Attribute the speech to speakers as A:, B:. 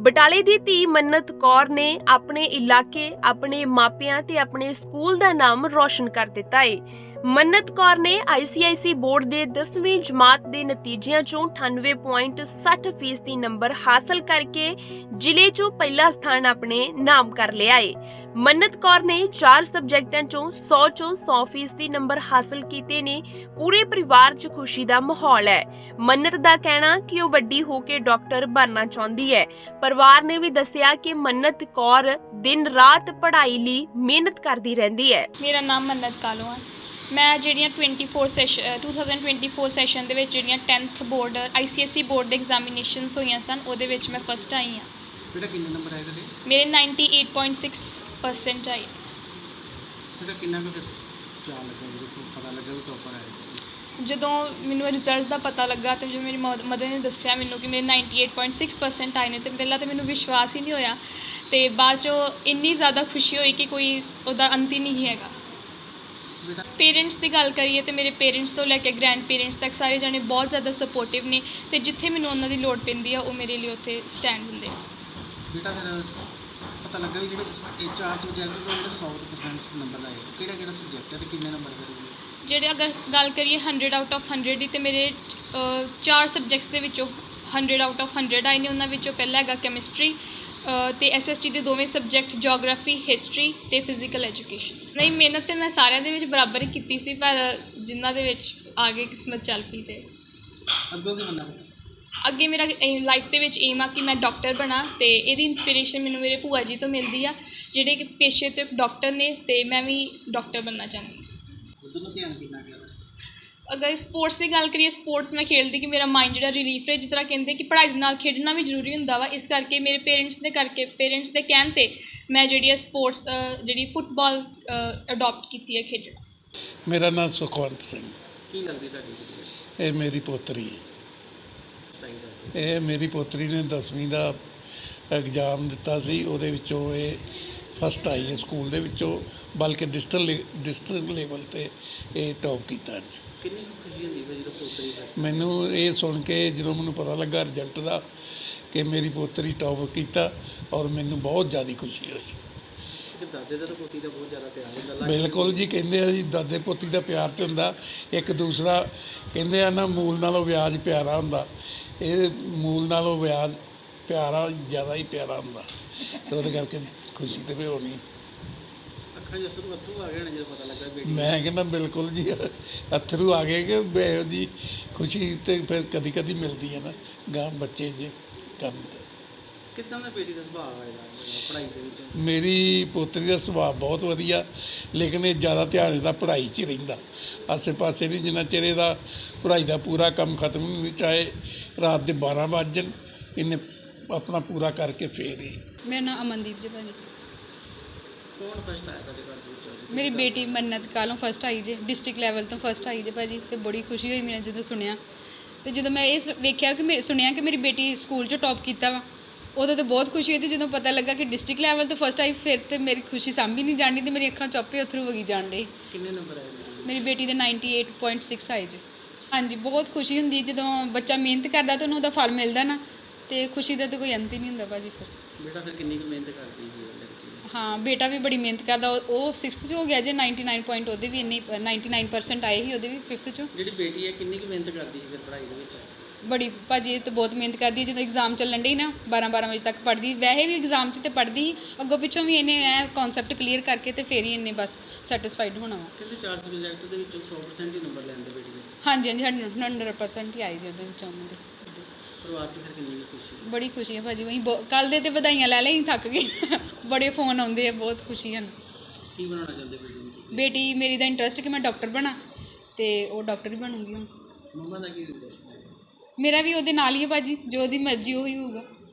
A: ਬਟਾਲੇ ਦੀ ਧੀ ਮੰਨਤ ਕੌਰ ਨੇ ਆਪਣੇ ਇਲਾਕੇ, ਆਪਣੇ ਮਾਪਿਆਂ ਤੇ ਆਪਣੇ ਸਕੂਲ ਦਾ ਨਾਮ ਰੌਸ਼ਨ ਕਰ ਦਿੱਤਾ ਏ। ਮੰਨਤ ਕੌਰ ਨੇ ICIC ਬੋਰਡ ਦੇ 10ਵੀਂ ਜਮਾਤ ਦੇ ਨਤੀਜਿਆਂ ਚੋਂ 98.60% ਨੰਬਰ ਹਾਸਲ ਕਰਕੇ ਜ਼ਿਲ੍ਹੇ 'ਚੋਂ ਪਹਿਲਾ ਸਥਾਨ ਆਪਣੇ ਨਾਮ ਕਰ ਲਿਆ ਏ। ਮੰਨਤ ਕੌਰ ਨੇ 4 ਸਬਜੈਕਟਾਂ ਚੋਂ 100 ਚੋਂ 100% ਨੰਬਰ ਹਾਸਲ ਕੀਤੇ ਨੇ। ਪੂਰੇ ਪਰਿਵਾਰ 'ਚ ਖੁਸ਼ੀ ਦਾ ਮਾਹੌਲ ਹੈ। ਮੰਨਤ ਦਾ ਕਹਿਣਾ ਕਿ ਉਹ ਵੱਡੀ ਹੋ ਕੇ ਡਾਕਟਰ ਬਣਨਾ ਚਾਹੁੰਦੀ ਹੈ। ਪਰਿਵਾਰ ਨੇ ਵੀ ਦੱਸਿਆ ਕਿ ਮੰਨਤ ਕੌਰ ਦਿਨ ਰਾਤ ਪੜ੍ਹਾਈ ਲਈ ਮਿਹਨਤ ਕਰਦੀ ਰਹਿੰਦੀ ਹੈ।
B: ਮੇਰਾ ਨਾਮ ਮੰਨਤ ਕਾਲੋ ਹੈ। ਮੈਂ ਜਿਹੜੀਆਂ 2024 ਸੈਸ਼ਨ ਦੇ ਵਿੱਚ ਜਿਹੜੀਆਂ 10th ਬੋਰਡ ICSE ਬੋਰਡ ਦੇ ਐਗਜ਼ਾਮੀਨੇਸ਼ਨਸ ਹੋਈਆਂ ਸਨ, ਉਹਦੇ ਵਿੱਚ ਮੈਂ ਫਸਟ ਆਈ ਹਾਂ।
C: ਬੇਟਾ ਕਿੰਨੇ ਨੰਬਰ ਆਏ ਤੁਹਾਡੇ?
B: ਮੇਰੇ 98.6% ਆਏ।
C: ਬੇਟਾ ਕਿੰਨਾ ਕੁ ਚਾਅ ਲੱਗਾ ਜਦੋਂ ਪਤਾ ਲੱਗਾ ਕਿ ਟੌਪਰ ਆਏ ਤੁਸੀਂ?
B: ਜਦੋਂ ਮੈਨੂੰ ਰਿਜ਼ਲਟ ਦਾ ਪਤਾ ਲੱਗਾ ਤੇ ਜਦੋਂ ਮੇਰੀ ਮਦਰ ਨੇ ਦੱਸਿਆ ਮੈਨੂੰ ਕਿ ਮੇਰੇ 98.6% ਆਏ ਨੇ, ਤੇ ਪਹਿਲਾਂ ਤਾਂ ਮੈਨੂੰ ਵਿਸ਼ਵਾਸ ਹੀ ਨਹੀਂ ਹੋਇਆ, ਤੇ ਬਾਅਦ 'ਚੋਂ ਇੰਨੀ ਜ਼ਿਆਦਾ ਖੁਸ਼ੀ ਹੋਈ ਕਿ ਕੋਈ ਉਹਦਾ ਅੰਤ ਹੀ ਨਹੀਂ ਹੈਗਾ। ਪੇਰੈਂਟਸ ਦੀ ਗੱਲ ਕਰੀਏ ਤਾਂ ਮੇਰੇ ਪੇਰੈਂਟਸ ਤੋਂ ਲੈ ਕੇ ਗ੍ਰੈਂਡ ਪੇਰੈਂਟਸ ਤੱਕ ਸਾਰੇ ਜਾਣੇ ਬਹੁਤ ਜ਼ਿਆਦਾ ਸਪੋਰਟਿਵ ਨੇ, ਤੇ ਜਿੱਥੇ ਮੈਨੂੰ ਉਹਨਾਂ ਦੀ ਲੋੜ ਪੈਂਦੀ ਆ ਉਹ ਮੇਰੇ ਲਈ ਉੱਥੇ ਸਟੈਂਡ ਹੁੰਦੇ ਆ।
C: ਬੇਟਾ ਫਿਰ ਪਤਾ ਲੱਗਾ ਵੀ ਜਿਹੜੇ ਇਹ 4 ਸਬਜੈਕਟ ਤੋਂ ਜਿਹੜੇ 100% ਨੰਬਰ ਆਏ, ਕਿਹੜਾ ਸਬਜੈਕਟ ਹੈ ਤੇ ਕਿੰਨੇ ਨੰਬਰ ਕਰੋਗੇ?
B: ਜਿਹੜੇ ਅਗਰ ਗੱਲ ਕਰੀਏ 100 ਆਊਟ ਆਫ 100 ਦੀ, ਤੇ ਮੇਰੇ 4 ਸਬਜੈਕਟਸ ਦੇ ਵਿੱਚੋਂ 100 ਆਊਟ ਆਫ 100 ਆਏ ਨੇ। ਉਹਨਾਂ ਵਿੱਚੋਂ ਪਹਿਲਾ ਹੈਗਾ ਕੈਮਿਸਟਰੀ ਤੇ SST ਦੇ ਦੋਵੇਂ ਸਬਜੈਕਟ ਜੀਓਗ੍ਰਾਫੀ, ਹਿਸਟਰੀ ਤੇ ਫਿਜ਼ੀਕਲ ਐਜੂਕੇਸ਼ਨ। ਨਹੀਂ, ਮਿਹਨਤ ਤਾਂ ਮੈਂ ਸਾਰਿਆਂ ਦੇ ਵਿੱਚ ਬਰਾਬਰ ਹੀ ਕੀਤੀ ਸੀ, ਪਰ ਜਿਨ੍ਹਾਂ ਦੇ ਵਿੱਚ ਆ ਗਏ ਕਿਸਮਤ ਚੱਲ ਪਈ। ਤੇ
C: ਅੱਗੋਂ ਕੀ ਬਣਨਾ?
B: ਅੱਗੇ ਮੇਰਾ ਲਾਈਫ ਦੇ ਵਿੱਚ ਏਮ ਆ ਕਿ ਮੈਂ ਡਾਕਟਰ ਬਣਾ, ਤੇ ਇਹਦੀ ਇੰਸਪੀਰੇਸ਼ਨ ਮੈਨੂੰ ਮੇਰੇ ਭੂਆ ਜੀ ਤੋਂ ਮਿਲਦੀ ਆ, ਜਿਹੜੇ ਕਿ ਪੇਸ਼ੇ ਤੋਂ ਇੱਕ ਡਾਕਟਰ ਨੇ, ਤੇ ਮੈਂ ਵੀ ਡਾਕਟਰ ਬਣਨਾ ਚਾਹੁੰਦੀ ਹਾਂ।
C: ਉਦੋਂ ਨੂੰ ਧਿਆਨ ਕਿੰਨਾ ਗਿਆ?
B: ਅਗਰ ਸਪੋਰਟਸ ਦੀ ਗੱਲ ਕਰੀਏ, ਸਪੋਰਟਸ ਮੈਂ ਖੇਡਦੀ ਕਿ ਮੇਰਾ ਮਾਈਂਡ ਜਿਹੜਾ ਰਿਲੀਫ ਹੈ, ਜਿਸ ਤਰ੍ਹਾਂ ਕਹਿੰਦੇ ਕਿ ਪੜ੍ਹਾਈ ਦੇ ਨਾਲ ਖੇਡਣਾ ਵੀ ਜ਼ਰੂਰੀ ਹੁੰਦਾ ਵਾ, ਇਸ ਕਰਕੇ ਮੇਰੇ ਪੇਰੈਂਟਸ ਦੇ ਕਹਿਣ 'ਤੇ ਮੈਂ ਜਿਹੜੀ ਸਪੋਰਟਸ ਜਿਹੜੀ ਫੁੱਟਬਾਲ ਅਡੋਪਟ ਕੀਤੀ ਹੈ ਖੇਡਣਾ।
D: ਮੇਰਾ ਨਾਮ ਸੁਖਵੰਤ ਸਿੰਘ।
C: ਕੀ ਲੱਗਦੀ ਤੁਹਾਡੀ?
D: ਇਹ ਮੇਰੀ ਪੋਤਰੀ ਹੈ। ਇਹ ਮੇਰੀ ਪੋਤਰੀ ਨੇ 10ਵੀਂ ਦਾ ਐਗਜ਼ਾਮ ਦਿੱਤਾ ਸੀ, ਉਹਦੇ ਵਿੱਚੋਂ ਇਹ ਫਸਟ ਆਈ ਹੈ ਸਕੂਲ ਦੇ ਵਿੱਚੋਂ, ਬਲਕਿ ਡਿਸਟ੍ਰਿਕਟ ਲੈਵਲ 'ਤੇ ਇਹ ਟੌਪ ਕੀਤਾ ਇਹਨੇ।
C: ਕਿੰਨੀ ਖੁਸ਼ੀ ਹੁੰਦੀ ਹੈ ਜਦੋਂ ਪੋਤਰੀ ਫਸਟ?
D: ਮੈਨੂੰ ਇਹ ਸੁਣ ਕੇ ਜਦੋਂ ਮੈਨੂੰ ਪਤਾ ਲੱਗਾ ਰਿਜ਼ਲਟ ਦਾ ਕਿ ਮੇਰੀ ਪੋਤਰੀ ਟੌਪ ਕੀਤਾ, ਔਰ ਮੈਨੂੰ ਬਹੁਤ ਜ਼ਿਆਦਾ ਖੁਸ਼ੀ ਹੋਈ।
C: ਦਾਦੇ ਦਾ ਤਾਂ ਪੋਤੀ ਦਾ ਬਹੁਤ ਜ਼ਿਆਦਾ ਪਿਆਰ ਹੁੰਦਾ।
D: ਬਿਲਕੁਲ ਜੀ, ਕਹਿੰਦੇ ਆ ਜੀ ਦਾਦੇ ਪੋਤੀ ਦਾ ਪਿਆਰ ਤੇ ਹੁੰਦਾ, ਇੱਕ ਦੂਸਰਾ ਕਹਿੰਦੇ ਆ ਨਾ, ਮੂਲ ਨਾਲੋਂ ਵਿਆਜ ਪਿਆਰਾ ਹੁੰਦਾ। ਇਹ ਮੂਲ ਨਾਲੋਂ ਵਿਆਜ ਪਿਆਰਾ ਜ਼ਿਆਦਾ ਹੀ ਪਿਆਰਾ ਹੁੰਦਾ, ਤੇ ਉਹਦੇ ਕਰਕੇ ਖੁਸ਼ੀ ਤੇ ਵੀ ਹੋਣੀ।
C: ਅੱਖਾਂ 'ਚ ਅੱਥਰੂ ਆ ਗਏ ਨੇ ਜਦੋਂ ਪਤਾ ਲੱਗਾ ਬੇਟੀ?
D: ਮੈਂ ਕਹਿੰਦਾ ਬਿਲਕੁਲ ਜੀ, ਅੱਥਰੂ ਆ ਗਏ ਕਿ ਇਹੋ ਜੀ ਖੁਸ਼ੀ ਤੇ ਫਿਰ ਕਦੀ ਕਦੀ ਮਿਲਦੀ ਹੈ ਨਾ ਗਾਂ ਬੱਚੇ ਜੇ ਕਰਨ ਤੇ।
C: ਕਿੱਦਾਂ ਦਾ ਬੇਟੀ ਦਾ ਸੁਭਾਅ ਹੈ ਪੜ੍ਹਾਈ ਦੇ ਵਿੱਚ?
D: ਮੇਰੀ ਪੋਤਰੀ ਦਾ ਸੁਭਾਅ ਬਹੁਤ ਵਧੀਆ, ਲੇਕਿਨ ਇਹ ਜ਼ਿਆਦਾ ਧਿਆਨ ਇਹਦਾ ਪੜ੍ਹਾਈ 'ਚ ਹੀ ਰਹਿੰਦਾ, ਆਸੇ ਪਾਸੇ ਨਹੀਂ। ਜਿੰਨਾ ਚਿਰ ਇਹਦਾ ਪੜ੍ਹਾਈ ਦਾ ਪੂਰਾ ਕੰਮ ਖਤਮ ਨਹੀਂ ਹੁੰਦਾ, ਚਾਹੇ ਰਾਤ ਦੇ 12 ਵੱਜ ਜਾਣ, ਇਹਨੇ ਆਪਣਾ ਪੂਰਾ ਕਰਕੇ ਫੇਰ ਹੀ।
E: ਮੇਰਾ ਨਾਮ ਅਮਨਦੀਪ ਜੀ ਭਾਜੀ।
C: ਕੌਣ ਫਸਟ ਆਇਆ ਤੁਹਾਡੇ ਘਰ ਦੇ ਵਿੱਚ?
E: ਮੇਰੀ ਬੇਟੀ ਮੰਨਤ ਕਾਲੋਂ ਫਸਟ ਆਈ ਜੇ, ਡਿਸਟ੍ਰਿਕਟ ਲੈਵਲ ਤੋਂ ਫਸਟ ਆਈ ਜੇ ਭਾਜੀ, ਤੇ ਬੜੀ ਖੁਸ਼ੀ ਹੋਈ ਮੈਨੂੰ ਜਦੋਂ ਸੁਣਿਆ। ਤੇ ਜਦੋਂ ਮੈਂ ਇਹ ਵੇਖਿਆ ਕਿ ਸੁਣਿਆ ਕਿ ਮੇਰੀ ਬੇਟੀ ਸਕੂਲ 'ਚ ਟੌਪ ਕੀਤਾ ਵਾ, ਉਦੋਂ ਤਾਂ ਬਹੁਤ ਖੁਸ਼ੀ ਹੋਈ। ਤੇ ਜਦੋਂ ਪਤਾ ਲੱਗਾ ਕਿ ਡਿਸਟ੍ਰਿਕਟ ਲੈਵਲ ਤੋਂ ਫਸਟ ਆਈ, ਫਿਰ ਤੇ ਮੇਰੀ ਖੁਸ਼ੀ ਸਾਂਭੀ ਨਹੀਂ ਜਾਣੀ, ਤੇ ਮੇਰੀ ਅੱਖਾਂ 'ਚੋਂ ਆਪੇ ਅੱਥਰੂ ਵਗੀ ਜਾਣ ਡੇ।
C: ਕਿੰਨੇ ਨੰਬਰ ਆਏ?
E: ਮੇਰੀ ਬੇਟੀ ਦੇ 98.6 ਆਏ ਜੇ। ਹਾਂਜੀ, ਬਹੁਤ ਖੁਸ਼ੀ ਹੁੰਦੀ ਜਦੋਂ ਬੱਚਾ ਮਿਹਨਤ ਕਰਦਾ ਤਾਂ ਉਹਨੂੰ ਉਹਦਾ ਫਲ ਮਿਲਦਾ ਨਾ, ਤੇ ਖੁਸ਼ੀ ਦਾ ਤਾਂ ਕੋਈ ਅੰਤ ਹੀ ਨਹੀਂ ਹੁੰਦਾ ਭਾਜੀ। ਫਿਰ
C: ਬੇਟਾ ਫਿਰ ਕਿੰਨੀ ਕੁ ਮਿਹਨਤ ਕਰਦੀ ਹੈ ਲੜਕੀ?
E: ਹਾਂ, ਬੇਟਾ ਵੀ ਬੜੀ ਮਿਹਨਤ ਕਰਦਾ। ਉਹ 6th 'ਚ ਹੋ ਗਿਆ ਜੇ, 99 ਪੁਆਇੰਟ ਉਹਦੇ ਵੀ ਇੰਨੀ 99% ਆਏ ਸੀ ਉਹਦੇ ਵੀ 5th 'ਚੋਂ।
C: ਜਿਹੜੀ ਬੇਟੀ ਹੈ ਕਿੰਨੀ ਕੁ ਮਿਹਨਤ ਕਰਦੀ ਹੈ ਫਿਰ ਪੜ੍ਹਾਈ ਦੇ ਵਿੱਚ?
E: ਬੜੀ ਭਾਜੀ, ਇਹ ਤਾਂ ਬਹੁਤ ਮਿਹਨਤ ਕਰਦੀ ਹੈ। ਜਦੋਂ ਐਗਜ਼ਾਮ ਚੱਲਣ ਡੇ ਨਾ 12 ਵਜੇ ਤੱਕ ਪੜ੍ਹਦੀ, ਵੈਸੇ ਵੀ ਐਗਜ਼ਾਮ 'ਚ ਤਾਂ ਪੜ੍ਹਦੀ ਸੀ, ਅੱਗੋਂ ਪਿੱਛੋਂ ਵੀ ਇਹਨੇ ਕਨਸੈਪਟ ਕਲੀਅਰ ਕਰਕੇ ਤੇ ਫਿਰ ਹੀ ਇਹਨੇ ਬਸ ਸੈਟਿਸਫਾਈਡ ਹੋਣਾ ਵਾ।
C: ਕਹਿੰਦੇ 4 ਸਬਜੈਕਟ ਦੇ ਵਿੱਚੋਂ 100% ਹੀ ਨੰਬਰ ਲੈਂਦੇ ਬੇਟੀ ਦੇ?
E: ਹਾਂਜੀ, 100% ਹੀ ਆਏ ਜੀ ਉਹਦੇ ਵਿੱਚ ਉਹਨਾਂ ਦੇ।
C: ਪਰਿਵਾਰ 'ਚ ਫਿਰ ਕਿੰਨੀ ਖੁਸ਼ੀ?
E: ਬੜੀ ਖੁਸ਼ੀ ਹੈ ਭਾਜੀ। ਵਹੀਂ ਕੱਲ੍ਹ ਦੇ ਤੇ ਵਧਾਈਆਂ ਲੈ ਲਈ, ਥੱਕ ਗਏ। ਬੜੇ ਫੋਨ ਆਉਂਦੇ ਆ, ਬਹੁਤ ਖੁਸ਼ੀ ਹਨ।
C: ਕੀ ਬਣਾਉਣਾ ਚਾਹੁੰਦੇ ਬੇਟੀ ਨੂੰ ਤੁਸੀਂ?
E: ਬੇਟੀ ਮੇਰੀ ਦਾ ਇੰਟਰਸਟ ਕਿ ਮੈਂ ਡਾਕਟਰ ਬਣਾ, ਤੇ ਉਹ ਡਾਕਟਰ ਹੀ ਬਣੂਗੀ ਹੁਣ।
C: ਮੰਮਾ ਦਾ ਕੀ ਇੰਟਰਸਟ ਹੈ?
E: ਮੇਰਾ ਵੀ ਉਹਦੇ ਨਾਲ ਹੀ ਹੈ ਭਾਜੀ, ਜੋ ਉਹਦੀ ਮਰਜ਼ੀ ਉਹੀ ਹੋਊਗਾ।